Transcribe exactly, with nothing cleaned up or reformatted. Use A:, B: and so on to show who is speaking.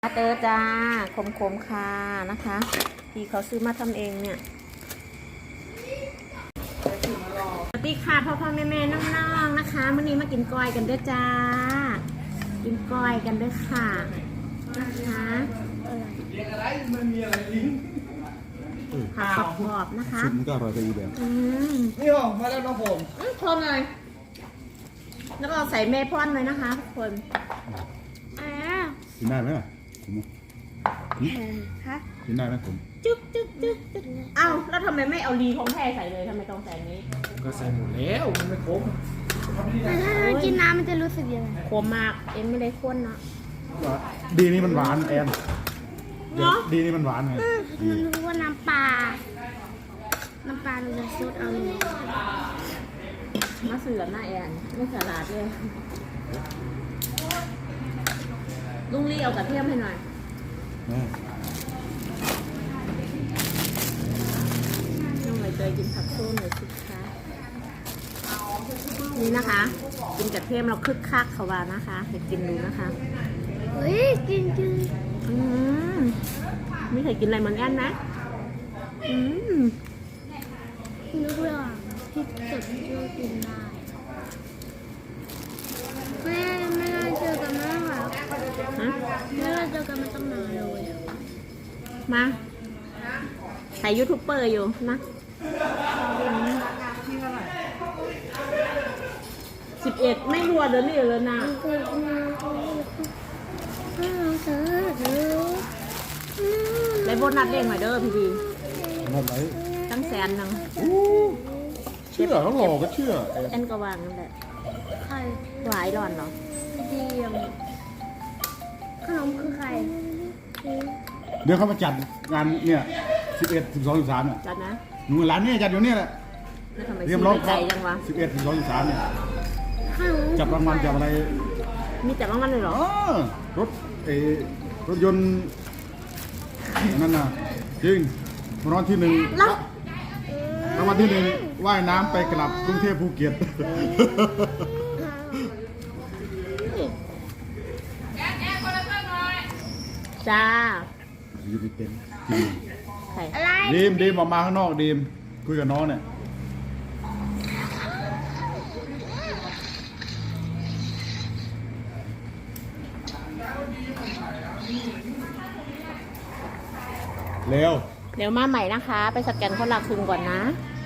A: เตอร์จ้าคมๆค่ะนะคะที่เขาซื้อมาทำเองเนี่ยสวัสดีค่ะพ่อพ่อแม่แม่น้องๆนะคะวันนี้มากินก้อยกันด้วยจ้ากินก้อยกันด้วยค่ะนะคะผักกรอบๆนะคะ
B: ชุดมันก็อร่อยไปอีกแบบ
A: อืม
C: นี่หรอมาแล้วน้องผม
A: พร้อมเลยแล้วก็ใส่เมพอนเลยนะคะทุกคนอ่า
B: กินได้ไหมล่ะผม
A: ฮะ
B: กินได้ไหมผม
A: จึ๊กจึ๊กจึ๊กจึ๊กเอ้าแล้วทำไมไม่เอาลีของแท้ใส่เลยทำไมต้องใส่นี้
C: ก็ใส่หมดแล้วมันไม่ครบ
D: แต่ถ้าเรากินน้ำมันจะรู้สึกยังไง
A: ขมมากเอ็นไม่ได้ข้นเนาะ
B: ดีนี่มันหวานแอน
A: เนาะ
B: ดีนี่มันหวานไง
D: มันรู้ว่าน้ำปลา น้ำปลาเราจะซดเอาเลย
A: มาเสือหน้าแอนไม่สลัดเลยลุงลี่เอากระเทียมให้หน่อย
B: แม่
A: น้องเลยเจยกินผักส้มหน่อยสิคะนี่นะคะ กินกระเทียมเราคึกคักเขาว่านะคะให้กินดูนะคะ
D: เฮ้ยจริงจริง
A: อืมไม่เคยกินอะไรเหมือนแอนนะอืม
D: นึกว่าพริกสดที่เรากินได้แม่ไม่ได้เจอกันมากค่ะ
A: ฮะ
D: ไม่ได้เจอกันมาตั้งนานเลย
A: มาถ่ายยูทูบเบอร์อยู่นะสิบเอ็ดไม่รัวเดี๋ยวนี้เลยนะ
D: เกิดมาเธอเธอเธอ
A: ได้โบนัสเด้งหน่อยเด้อพี่ดี
B: ทำไร
A: ตั้งแสนหนึง
B: เชื่อเขาหลอกก็เชื่อแอน
A: แอนก็วางนั่นแหละ
D: ใคร
A: หวายหล่อนเหรอ
D: เดียมขนมคือใคร
B: เดี๋ยวเขามาจัดงานเนี่ยสิบเอ็ดสิบสองสิบสามเนี่ย
A: จัดนะ
B: หนูร้านนี้จัดอยู่เนี่ยแหละ
A: แล้วทำไม
B: เตรีย
A: ซื้
B: ม
A: อ
B: ร้อง
A: ได้ใจจังวะ
B: สิบเอ็ดสิบสองสิบสามเนี่ย
D: ขนม
B: จับรางวัลจับอะไร
A: มีจับรางวัลเลยเหรอ
B: อ๋อรถเออรถยนต์นั่นน่ะจริงรางวัลที่หนึ่ง
A: แล้ว
B: รางวัลที่หนึ่งว่ายน้ำไปกลับกรุงเทพภูเก็ต
A: จ้า
B: อยู่ในเต็นท์จริง
A: ใคร
D: อะไร
B: ดีมดีมออกมาข้างนอกดีมคุยกับน้องเนี่ยเร็ว
A: เดี๋ยวมาใหม่นะคะ ไปสแกนคนละครึ่งก่อนนะ
B: เ